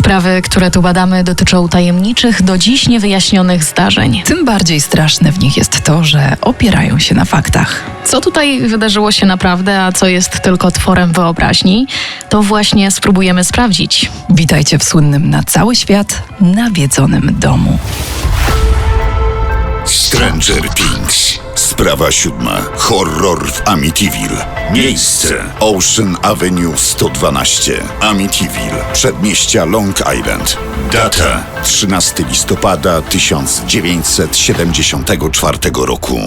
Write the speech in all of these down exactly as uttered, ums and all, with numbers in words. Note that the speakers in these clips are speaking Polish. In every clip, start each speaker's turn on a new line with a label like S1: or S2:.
S1: Sprawy, które tu badamy, dotyczą tajemniczych, do dziś niewyjaśnionych zdarzeń.
S2: Tym bardziej straszne w nich jest to, że opierają się na faktach.
S1: Co tutaj wydarzyło się naprawdę, a co jest tylko tworem wyobraźni, to właśnie spróbujemy sprawdzić.
S2: Witajcie w słynnym na cały świat nawiedzonym domu.
S3: Stranger Things. Sprawa siódma. Horror w Amityville. Miejsce: Ocean Avenue sto dwanaście, Amityville, przedmieścia Long Island. Data: trzynastego listopada tysiąc dziewięćset siedemdziesiątego czwartego roku.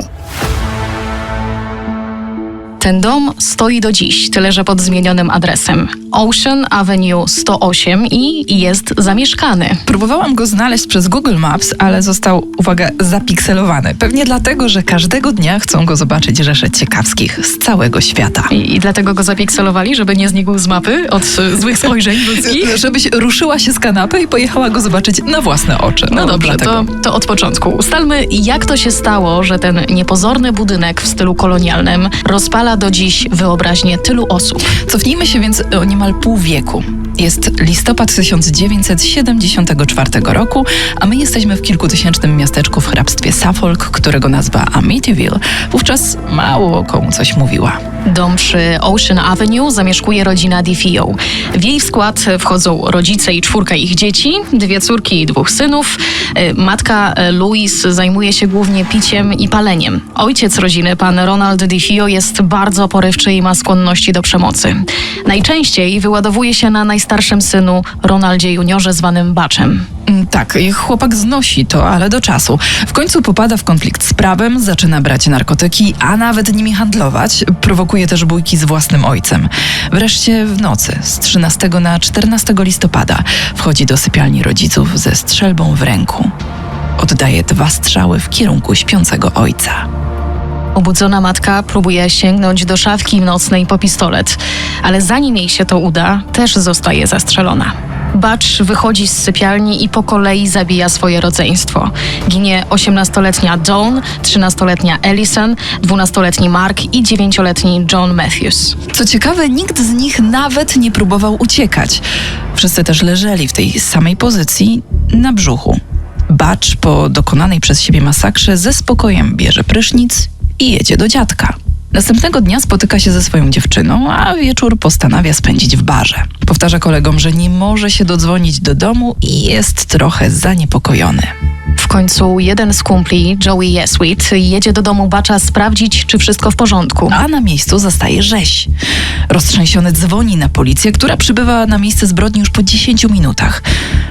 S1: Ten dom stoi do dziś, tyle że pod zmienionym adresem. Ocean Avenue sto osiem i jest zamieszkany.
S2: Próbowałam go znaleźć przez Google Maps, ale został, uwaga, zapikselowany. Pewnie dlatego, że każdego dnia chcą go zobaczyć rzesze ciekawskich z całego świata.
S1: I, I dlatego go zapikselowali, żeby nie znikł z mapy od y, złych spojrzeń ludzkich?
S2: Żebyś ruszyła się z kanapy i pojechała go zobaczyć na własne oczy.
S1: No
S2: O,
S1: dobrze, to,
S2: dlatego.
S1: to od początku. Ustalmy, jak to się stało, że ten niepozorny budynek w stylu kolonialnym rozpala do dziś wyobraźnię tylu osób.
S2: Cofnijmy się więc o niemal pół wieku. Jest listopad tysiąc dziewięćset siedemdziesiątego czwartego roku, a my jesteśmy w kilkutysięcznym miasteczku w hrabstwie Suffolk, którego nazwa Amityville wówczas mało komu coś mówiła.
S1: Dom przy Ocean Avenue zamieszkuje rodzina DeFeo. W jej skład wchodzą rodzice i czwórka ich dzieci, dwie córki i dwóch synów. Matka Louise zajmuje się głównie piciem i paleniem. Ojciec rodziny, pan Ronald DeFeo, jest bardzo porywczy i ma skłonności do przemocy. Najczęściej wyładowuje się na najstarszym synu, Ronaldzie juniorze, zwanym Butchem.
S2: Tak, chłopak znosi to, ale do czasu. W końcu popada w konflikt z prawem, zaczyna brać narkotyki, a nawet nimi handlować. Prowokuje też bójki z własnym ojcem. Wreszcie w nocy z trzynastego na czternastego listopada wchodzi do sypialni rodziców ze strzelbą w ręku. Oddaje dwa strzały w kierunku śpiącego ojca.
S1: Obudzona matka próbuje sięgnąć do szafki nocnej po pistolet, ale zanim jej się to uda, też zostaje zastrzelona. Butch wychodzi z sypialni i po kolei zabija swoje rodzeństwo. Ginie osiemnastoletnia Dawn, trzynastoletnia Ellison, dwunastoletni Mark i dziewięcioletni John Matthews.
S2: Co ciekawe, nikt z nich nawet nie próbował uciekać. Wszyscy też leżeli w tej samej pozycji na brzuchu. Butch po dokonanej przez siebie masakrze ze spokojem bierze prysznic i jedzie do dziadka. Następnego dnia spotyka się ze swoją dziewczyną, a wieczór postanawia spędzić w barze. Powtarza kolegom, że nie może się dodzwonić do domu i jest trochę zaniepokojony.
S1: W końcu jeden z kumpli, Joey Yeswit, jedzie do domu Butcha sprawdzić, czy wszystko w porządku.
S2: A na miejscu zastaje rzeź. Roztrzęsiony dzwoni na policję, która przybywa na miejsce zbrodni już po dziesięciu minutach.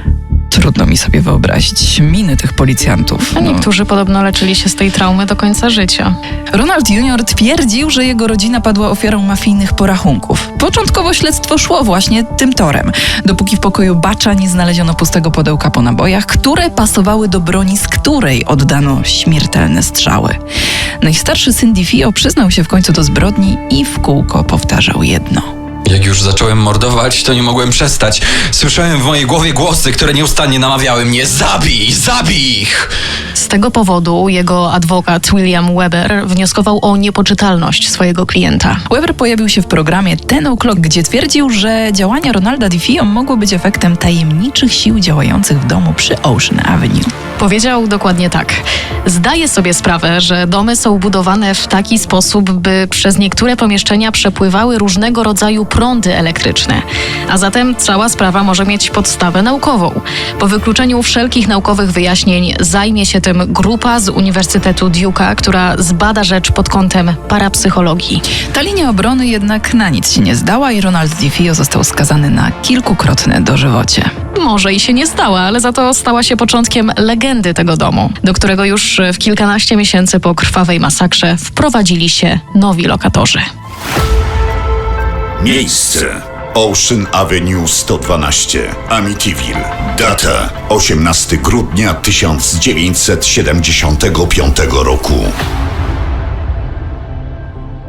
S2: Trudno mi sobie wyobrazić miny tych policjantów.
S1: A niektórzy podobno leczyli się z tej traumy do końca życia.
S2: Ronald junior twierdził, że jego rodzina padła ofiarą mafijnych porachunków. Początkowo śledztwo szło właśnie tym torem, dopóki w pokoju Butcha nie znaleziono pustego pudełka po nabojach, które pasowały do broni, z której oddano śmiertelne strzały. Najstarszy syn DeFeo przyznał się w końcu do zbrodni i w kółko powtarzał jedno.
S4: Jak już zacząłem mordować, to nie mogłem przestać. Słyszałem w mojej głowie głosy, które nieustannie namawiały mnie: zabij, zabij ich!
S1: Z tego powodu jego adwokat William Weber wnioskował o niepoczytalność swojego klienta.
S2: Weber pojawił się w programie Ten O'Clock, gdzie twierdził, że działania Ronalda DeFeo mogły być efektem tajemniczych sił działających w domu przy Ocean Avenue.
S1: Powiedział dokładnie tak. Zdaję sobie sprawę, że domy są budowane w taki sposób, by przez niektóre pomieszczenia przepływały różnego rodzaju prądy elektryczne. A zatem cała sprawa może mieć podstawę naukową. Po wykluczeniu wszelkich naukowych wyjaśnień zajmie się tym grupa z Uniwersytetu Duke'a, która zbada rzecz pod kątem parapsychologii.
S2: Ta linia obrony jednak na nic się nie zdała i Ronald DeFeo został skazany na kilkukrotne dożywocie.
S1: Może i się nie stała, ale za to stała się początkiem legendy tego domu, do którego już w kilkanaście miesięcy po krwawej masakrze wprowadzili się nowi lokatorzy.
S3: Miejsce: Ocean Avenue sto dwanaście, Amityville. Data: osiemnastego grudnia tysiąc dziewięćset siedemdziesiątego piątego roku.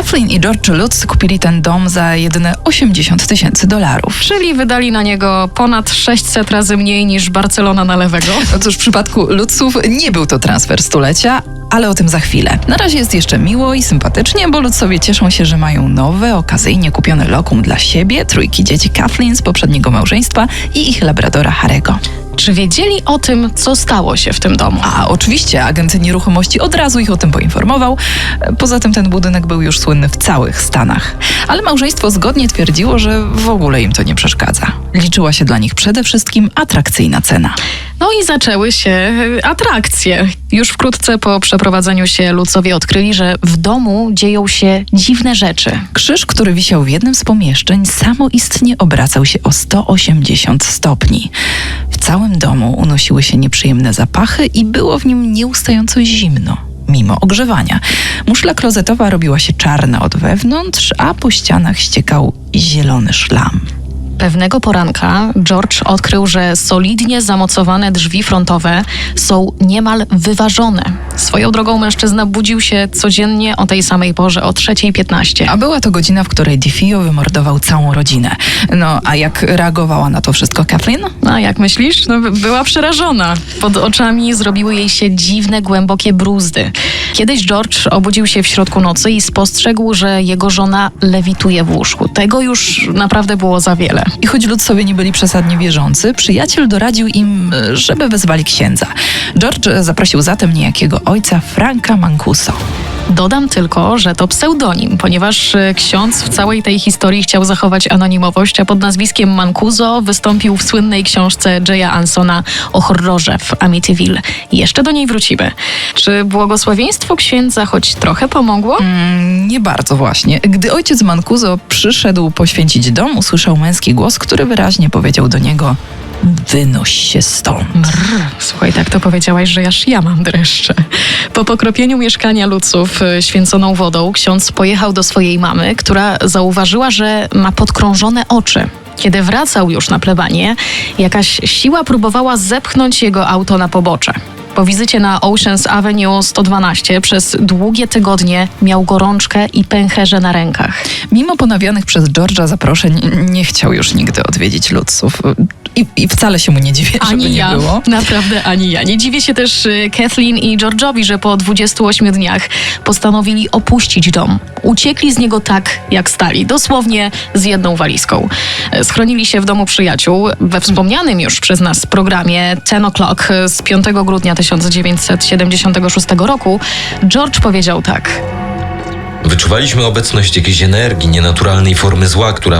S2: Kathleen i George Lutz kupili ten dom za jedyne osiemdziesiąt tysięcy dolarów.
S1: Czyli wydali na niego ponad sześćset razy mniej niż Barcelona na lewego.
S2: No cóż, w przypadku Lutzów nie był to transfer stulecia, ale o tym za chwilę. Na razie jest jeszcze miło i sympatycznie, bo Lutzowie cieszą się, że mają nowe, okazyjnie kupione lokum dla siebie, trójki dzieci Kathleen z poprzedniego małżeństwa i ich labradora Harego.
S1: Czy wiedzieli o tym, co stało się w tym domu?
S2: A oczywiście agent nieruchomości od razu ich o tym poinformował. Poza tym ten budynek był już słynny w całych Stanach. Ale małżeństwo zgodnie twierdziło, że w ogóle im to nie przeszkadza. Liczyła się dla nich przede wszystkim atrakcyjna cena.
S1: No i zaczęły się atrakcje. Już wkrótce po przeprowadzeniu się Lutzowie odkryli, że w domu dzieją się dziwne rzeczy.
S2: Krzyż, który wisiał w jednym z pomieszczeń, samoistnie obracał się o sto osiemdziesiąt stopni. W całym domu unosiły się nieprzyjemne zapachy i było w nim nieustająco zimno, mimo ogrzewania. Muszla klozetowa robiła się czarna od wewnątrz, a po ścianach ściekał zielony szlam.
S1: Pewnego poranka George odkrył, że solidnie zamocowane drzwi frontowe są niemal wyważone. Swoją drogą mężczyzna budził się codziennie o tej samej porze, o trzeciej piętnaście.
S2: A była to godzina, w której DeFeo wymordował całą rodzinę. No, a jak reagowała na to wszystko Kathleen?
S1: A jak myślisz? No, była przerażona. Pod oczami zrobiły jej się dziwne, głębokie bruzdy. Kiedyś George obudził się w środku nocy i spostrzegł, że jego żona lewituje w łóżku. Tego już naprawdę było za wiele.
S2: I choć Lutzowie nie byli przesadnie wierzący, przyjaciel doradził im, żeby wezwali księdza. George zaprosił zatem niejakiego ojca Franka Mancuso.
S1: Dodam tylko, że to pseudonim, ponieważ ksiądz w całej tej historii chciał zachować anonimowość, a pod nazwiskiem Mancuso wystąpił w słynnej książce Jaya Ansona o horrorze w Amityville. Jeszcze do niej wrócimy. Czy błogosławieństwo księdza choć trochę pomogło?
S2: Mm, nie bardzo właśnie. Gdy ojciec Mancuso przyszedł poświęcić dom, usłyszał męski głos, który wyraźnie powiedział do niego: wynoś się stąd.
S1: Brr, słuchaj, tak to powiedziałaś, że aż ja mam dreszcze. Po pokropieniu mieszkania Lutzów y, święconą wodą, ksiądz pojechał do swojej mamy, która zauważyła, że ma podkrążone oczy. Kiedy wracał już na plebanię, jakaś siła próbowała zepchnąć jego auto na pobocze. Po wizycie na Oceans Avenue sto dwanaście przez długie tygodnie miał gorączkę i pęcherze na rękach.
S2: Mimo ponawianych przez George'a zaproszeń, nie chciał już nigdy odwiedzić Lutzów. I, I wcale się mu nie dziwię, żeby
S1: Ani
S2: nie
S1: ja,
S2: było.
S1: naprawdę ani ja. Nie dziwię się też y, Kathleen i George'owi, że po dwudziestu ośmiu dniach postanowili opuścić dom. Uciekli z niego tak, jak stali, dosłownie z jedną walizką. E, Schronili się w domu przyjaciół. We wspomnianym już przez nas programie Ten O'Clock z piątego grudnia tysiąc dziewięćset siedemdziesiątego szóstego roku George powiedział tak.
S5: Wyczuwaliśmy obecność jakiejś energii, nienaturalnej formy zła, która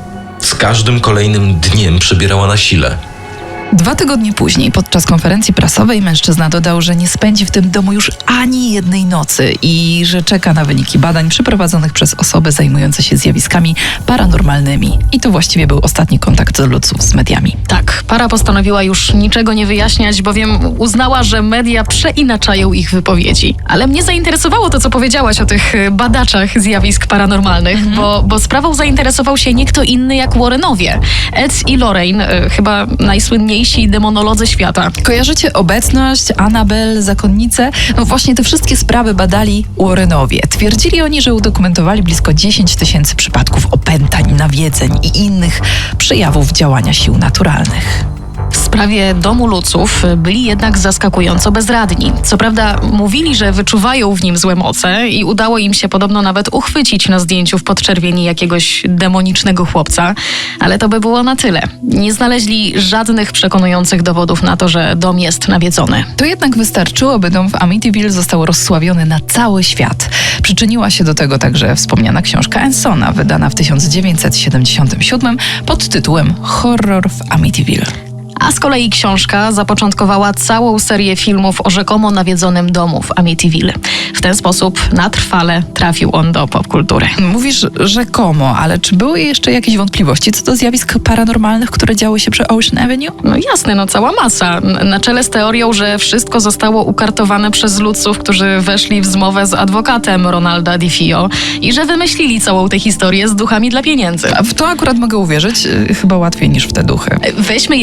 S5: z każdym kolejnym dniem przybierała na sile.
S2: Dwa tygodnie później, podczas konferencji prasowej, mężczyzna dodał, że nie spędzi w tym domu już ani jednej nocy i że czeka na wyniki badań przeprowadzonych przez osoby zajmujące się zjawiskami paranormalnymi. I to właściwie był ostatni kontakt Lutzów z mediami.
S1: Tak, para postanowiła już niczego nie wyjaśniać, bowiem uznała, że media przeinaczają ich wypowiedzi. Ale mnie zainteresowało to, co powiedziałaś o tych badaczach zjawisk paranormalnych, mhm. bo, bo sprawą zainteresował się nie kto inny jak Warrenowie. Ed i Lorraine, y, chyba najsłynniejsi demonolodzy świata.
S2: Kojarzycie obecność, Annabelle, zakonnice? No właśnie te wszystkie sprawy badali Warrenowie. Twierdzili oni, że udokumentowali blisko dziesięć tysięcy przypadków opętań, nawiedzeń i innych przejawów działania sił naturalnych.
S1: W sprawie domu Lutzów byli jednak zaskakująco bezradni. Co prawda mówili, że wyczuwają w nim złe moce i udało im się podobno nawet uchwycić na zdjęciu w podczerwieni jakiegoś demonicznego chłopca, ale to by było na tyle. Nie znaleźli żadnych przekonujących dowodów na to, że dom jest nawiedzony.
S2: To jednak wystarczyło, by dom w Amityville został rozsławiony na cały świat. Przyczyniła się do tego także wspomniana książka Ansona, wydana w tysiąc dziewięćset siedemdziesiątym siódmym pod tytułem Horror w Amityville.
S1: A z kolei książka zapoczątkowała całą serię filmów o rzekomo nawiedzonym domu w Amityville. W ten sposób na trwale trafił on do popkultury.
S2: Mówisz rzekomo, ale czy były jeszcze jakieś wątpliwości co do zjawisk paranormalnych, które działy się przy Ocean Avenue?
S1: No jasne, no cała masa. Na czele z teorią, że wszystko zostało ukartowane przez Lutzów, którzy weszli w zmowę z adwokatem Ronalda DeFeo i że wymyślili całą tę historię z duchami dla pieniędzy.
S2: A w to akurat mogę uwierzyć, chyba łatwiej niż w te duchy.
S1: Weźmy jednak pod uwagę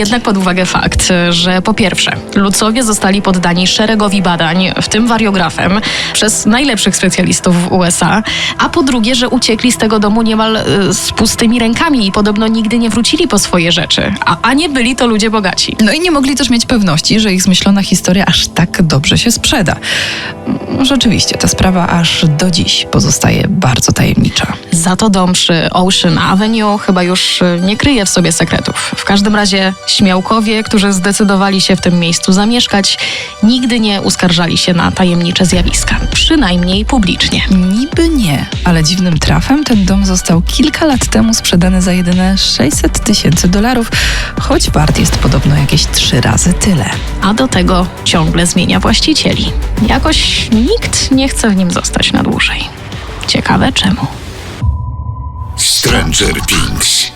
S1: uwagę fakt, że po pierwsze, Lucowie zostali poddani szeregowi badań, w tym wariografem, przez najlepszych specjalistów w U S A, a po drugie, że uciekli z tego domu niemal y, z pustymi rękami i podobno nigdy nie wrócili po swoje rzeczy, a, a nie byli to ludzie bogaci.
S2: No i nie mogli też mieć pewności, że ich zmyślona historia aż tak dobrze się sprzeda. Rzeczywiście, ta sprawa aż do dziś pozostaje bardzo tajemnicza.
S1: Za to dom przy Ocean Avenue chyba już y, nie kryje w sobie sekretów. W każdym razie śmiałkowie, którzy zdecydowali się w tym miejscu zamieszkać, nigdy nie uskarżali się na tajemnicze zjawiska. Przynajmniej publicznie.
S2: Niby nie, ale dziwnym trafem ten dom został kilka lat temu sprzedany za jedyne sześćset tysięcy dolarów, choć wart jest podobno jakieś trzy razy tyle.
S1: A do tego ciągle zmienia właścicieli. Jakoś nikt nie chce w nim zostać na dłużej. Ciekawe czemu.
S3: Stranger Things.